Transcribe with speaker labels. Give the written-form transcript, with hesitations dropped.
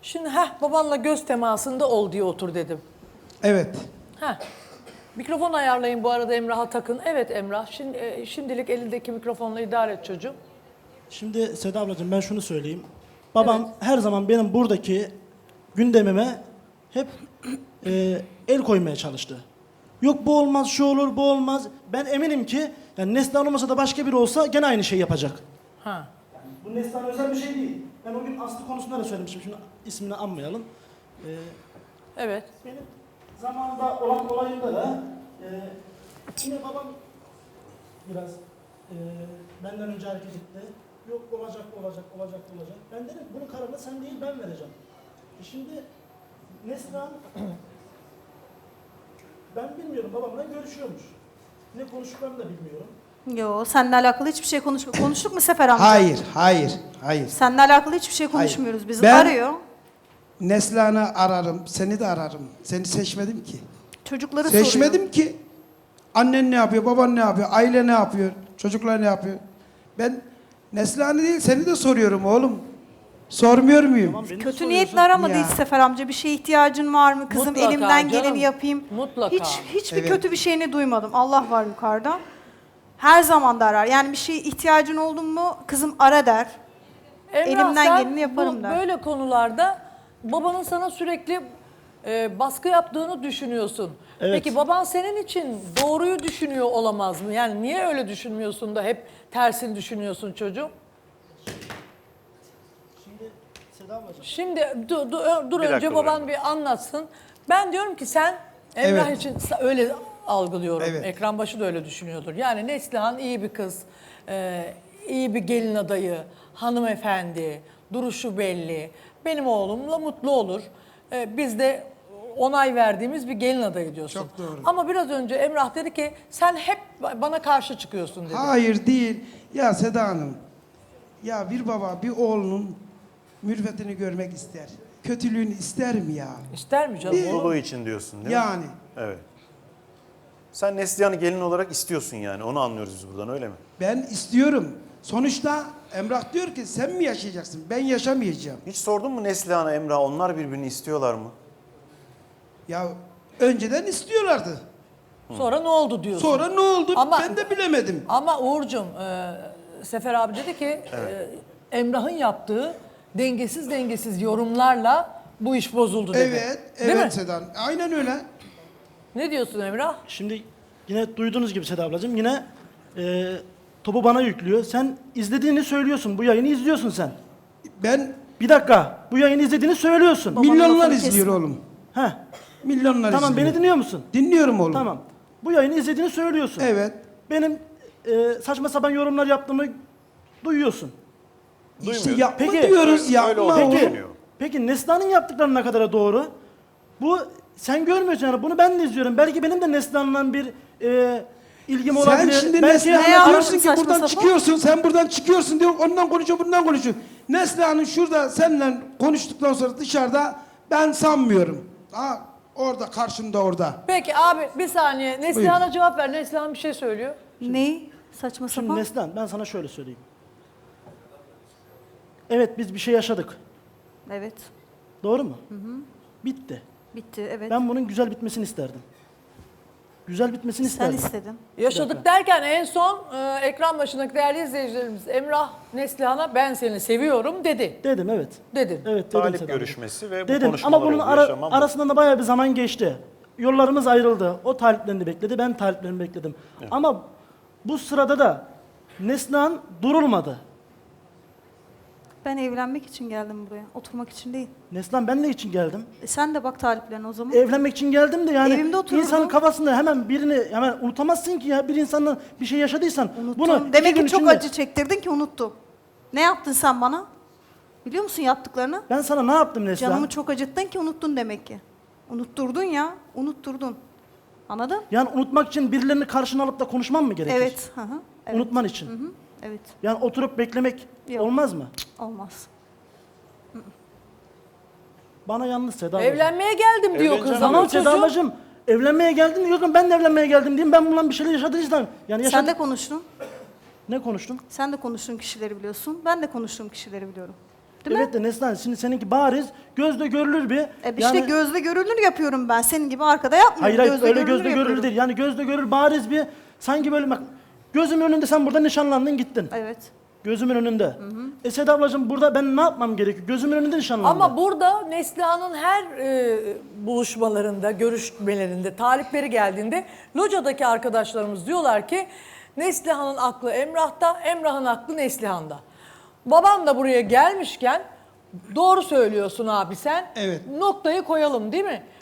Speaker 1: Şimdi babanla göz temasında ol diye otur dedim.
Speaker 2: Evet.
Speaker 1: Mikrofon ayarlayın bu arada, Emrah'a takın. Evet Emrah, şimdilik elindeki mikrofonla idare et çocuğum.
Speaker 3: Şimdi Seda ablacığım ben şunu söyleyeyim. Babam her zaman benim buradaki gündemime hep el koymaya çalıştı. Yok bu olmaz, şu olur, bu olmaz. Ben eminim ki yani Neslihan olmasa da başka biri olsa gene aynı şeyi yapacak.
Speaker 1: Ha.
Speaker 3: Bu Neslihan özel bir şey değil. Ben o gün Aslı konusunda da söylemiştim. Şimdi ismini anmayalım.
Speaker 1: Evet.
Speaker 3: Benim zamanında olan olayında da yine babam biraz benden önce hareket etti. Yok olacak. Ben dedim bunun kararını sen değil ben vereceğim. Şimdi Neslihan ben bilmiyorum babamla görüşüyormuş. Ne konuştuklarını da bilmiyorum.
Speaker 4: Yo, seninle alakalı hiçbir şey konuştuk mu Sefer amca?
Speaker 2: Hayır.
Speaker 4: Seninle alakalı hiçbir şey konuşmuyoruz. Bizi
Speaker 2: Ben-
Speaker 4: arıyor.
Speaker 2: Neslihan'ı ararım, seni de ararım. Seni seçmedim ki.
Speaker 4: Çocukları soruyor.
Speaker 2: Seçmedim ki. Annen ne yapıyor, baban ne yapıyor, aile ne yapıyor, çocuklar ne yapıyor? Ben Neslihan'ı değil, seni de soruyorum oğlum. Sormuyor muyum?
Speaker 3: Tamam, beni
Speaker 4: Kötü
Speaker 3: soruyorsun.
Speaker 4: niyetli aramadı
Speaker 2: Ya.
Speaker 4: hiç Sefer amca. Bir şeye ihtiyacın var mı? Kızım
Speaker 1: Mutlaka
Speaker 4: elimden geleni
Speaker 1: canım,
Speaker 4: yapayım.
Speaker 1: mutlaka.
Speaker 4: Hiçbir
Speaker 2: Evet.
Speaker 4: kötü bir şeyini duymadım. Allah var yukarıda. Her zaman da arar. Yani bir şeye ihtiyacın oldu mu kızım ara der. Elimden
Speaker 1: sen
Speaker 4: geleni yaparım der.
Speaker 1: böyle konularda babanın sana sürekli baskı yaptığını düşünüyorsun.
Speaker 3: Evet.
Speaker 1: Peki baban senin için doğruyu düşünüyor olamaz mı? Yani niye öyle düşünmüyorsun da hep tersini düşünüyorsun çocuğum?
Speaker 3: Şimdi Seda ablacığım.
Speaker 1: Şimdi dur
Speaker 5: Bir
Speaker 1: önce
Speaker 5: dakika
Speaker 1: baban
Speaker 5: durun.
Speaker 1: bir anlatsın. Ben diyorum ki sen Emrah
Speaker 2: Evet.
Speaker 1: için öyle algılıyorum.
Speaker 2: Evet.
Speaker 1: Ekran başı da öyle düşünüyordur. Yani Neslihan iyi bir kız, iyi bir gelin adayı, hanımefendi, duruşu belli. Benim oğlumla mutlu olur. Biz de onay verdiğimiz bir gelin adayı diyorsun.
Speaker 2: Çok doğru.
Speaker 1: Ama biraz önce Emrah dedi ki sen hep bana karşı çıkıyorsun dedi.
Speaker 2: Hayır değil. Ya Seda Hanım, ya bir baba bir oğlunun mürvetini görmek ister. Kötülüğünü ister mi ya?
Speaker 1: İster mi canım?
Speaker 2: Bir-
Speaker 1: oğlum?
Speaker 5: Mutluluğu için diyorsun değil mi?
Speaker 2: Yani.
Speaker 5: Evet. Sen Neslihan'ı gelin olarak istiyorsun yani. Onu anlıyoruz biz buradan öyle mi?
Speaker 2: Ben istiyorum. Sonuçta Emrah diyor ki sen mi yaşayacaksın? Ben yaşamayacağım.
Speaker 5: Hiç sordun mu Neslihan'a, Emrah onlar birbirini istiyorlar mı?
Speaker 2: Ya önceden istiyorlardı.
Speaker 1: Sonra ne oldu diyorsun.
Speaker 2: Sonra ne oldu?
Speaker 1: Ama-
Speaker 2: Ben de bilemedim.
Speaker 1: Ama Uğur'cum, Sefer abi dedi ki Emrah'ın yaptığı dengesiz yorumlarla bu iş bozuldu dedi. Değil mi?
Speaker 2: Evet Seda Hanım. Aynen öyle.
Speaker 1: Ne diyorsun Emrah?
Speaker 3: Şimdi yine duyduğunuz gibi Seda ablacığım yine topu bana yüklüyor. Sen izlediğini söylüyorsun. Bu yayını izliyorsun sen.
Speaker 2: Ben
Speaker 3: Bir dakika. Bu yayını izlediğini söylüyorsun.
Speaker 2: milyonlar
Speaker 4: lafını
Speaker 2: izliyor
Speaker 4: kesme.
Speaker 2: oğlum.
Speaker 3: Heh.
Speaker 2: Milyonlar
Speaker 3: Tamam
Speaker 2: izliyor.
Speaker 3: beni dinliyor musun?
Speaker 2: Dinliyorum oğlum.
Speaker 3: Tamam. Bu yayını izlediğini söylüyorsun.
Speaker 2: Evet.
Speaker 3: Benim saçma sapan yorumlar yaptığımı duyuyorsun.
Speaker 2: İşte
Speaker 5: Duymuyorum.
Speaker 2: yapma
Speaker 3: Peki,
Speaker 2: diyoruz
Speaker 5: öyle
Speaker 2: yapma
Speaker 5: olduğunu
Speaker 2: oğlum.
Speaker 5: düşünüyor.
Speaker 3: Peki Neslihan'ın yaptıkları ne kadar doğru? Bu sen görmüyorsun yani bunu ben de izliyorum. Belki benim de Neslihan'la bir ilgim
Speaker 2: Sen
Speaker 3: olabilir.
Speaker 2: şimdi
Speaker 3: Belki
Speaker 2: Neslihan'a
Speaker 4: Ne
Speaker 2: diyorsun
Speaker 4: yaptın
Speaker 2: ki
Speaker 4: saçma
Speaker 2: buradan
Speaker 4: sapan?
Speaker 2: çıkıyorsun, sen buradan çıkıyorsun diyor, ondan konuşuyor, bundan konuşuyor. Neslihan'ın şurada seninle konuştuktan sonra dışarıda ben sanmıyorum. Ha, orada karşında orada.
Speaker 1: Peki abi bir saniye Neslihan'a cevap ver. Neslihan bir şey söylüyor.
Speaker 4: Ne? Saçma
Speaker 3: Şimdi
Speaker 4: sapan.
Speaker 3: Neslihan ben sana şöyle söyleyeyim. Evet biz bir şey yaşadık.
Speaker 4: Evet.
Speaker 3: Doğru mu? Bitti.
Speaker 4: Bitti. Evet.
Speaker 3: Ben bunun güzel bitmesini isterdim. Güzel bitmesini
Speaker 4: Sen
Speaker 3: isterdim.
Speaker 4: istedin.
Speaker 1: Yaşadık derken en son ekran başındaki değerli izleyicilerimiz Emrah Neslihan'a ben seni seviyorum dedi.
Speaker 3: Dedim evet.
Speaker 1: Dedin.
Speaker 3: Evet dedim
Speaker 5: Talip
Speaker 3: Seda.
Speaker 5: görüşmesi ve bu
Speaker 3: Dedim
Speaker 5: konuşmalar
Speaker 3: ama bunun
Speaker 5: oldu, yaşamam bu.
Speaker 3: arasında da bayağı bir zaman geçti. Yollarımız ayrıldı. O taliplerini bekledi, ben taliplerini bekledim. Ama bu sırada da Neslihan durulmadı.
Speaker 4: Ben evlenmek için geldim buraya. Oturmak için değil.
Speaker 3: Neslihan ben ne için geldim?
Speaker 4: Sen de bak taliplerine o zaman.
Speaker 3: Evlenmek için geldim de yani
Speaker 4: Evimde otururdum.
Speaker 3: insanın kafasında hemen birini hemen unutamazsın ki ya bir insanla bir şey yaşadıysan
Speaker 4: Unuttum.
Speaker 3: bunu iki
Speaker 4: Demek
Speaker 3: gün
Speaker 4: ki çok
Speaker 3: içinde-
Speaker 4: acı çektirdin ki unuttum. Ne yaptın sen bana? Biliyor musun yaptıklarını?
Speaker 3: Ben sana ne yaptım Neslihan?
Speaker 4: Canımı çok acıttın ki unuttun demek ki. Unutturdun ya. Unutturdun. Anladın?
Speaker 3: Yani unutmak için birilerini karşına alıp da konuşmam mı gerekir?
Speaker 4: Evet. Hı hı. Evet.
Speaker 3: Unutman için.
Speaker 4: Hı hı. Evet.
Speaker 3: Yani oturup beklemek
Speaker 4: Yok.
Speaker 3: olmaz mı?
Speaker 4: Olmaz.
Speaker 3: Bana yalnız Seda ablacığım.
Speaker 1: Evlenmeye geldim diyor
Speaker 5: Evleneceğim
Speaker 1: kız
Speaker 5: diyor.
Speaker 1: ama
Speaker 3: Tamam Seda
Speaker 1: çocuğum.
Speaker 3: ablacığım. Evlenmeye geldim diyor ki ben de evlenmeye geldim diyeyim. Ben bununla bir şeyler yaşadıysam. Yani
Speaker 4: Sen de konuştun.
Speaker 3: Ne konuştun?
Speaker 4: Sen de konuştuğun kişileri biliyorsun. Ben de konuştuğum kişileri biliyorum. Değil mi?
Speaker 3: Evet de Neslihan şimdi seninki bariz gözle görülür bir.
Speaker 4: İşte gözle görülür yapıyorum ben. Senin gibi arkada yapmıyorum.
Speaker 3: Hayır hayır
Speaker 4: Gözle
Speaker 3: öyle
Speaker 4: görülür
Speaker 3: gözle görülür
Speaker 4: yapıyorum.
Speaker 3: değil. Yani gözle görülür bariz bir sanki böyle bak gözümün önünde sen burada nişanlandın gittin.
Speaker 4: Evet.
Speaker 3: Gözümün önünde. Seda ablacığım burada ben ne yapmam gerekiyor? Gözümün önünde nişanlandım.
Speaker 1: Ama burada Neslihan'ın her buluşmalarında, görüşmelerinde, talipleri geldiğinde locadaki arkadaşlarımız diyorlar ki Neslihan'ın aklı Emrah'ta, Emrah'ın aklı Neslihan'da. Babam da buraya gelmişken doğru söylüyorsun abi sen.
Speaker 2: Evet.
Speaker 1: Noktayı koyalım değil mi?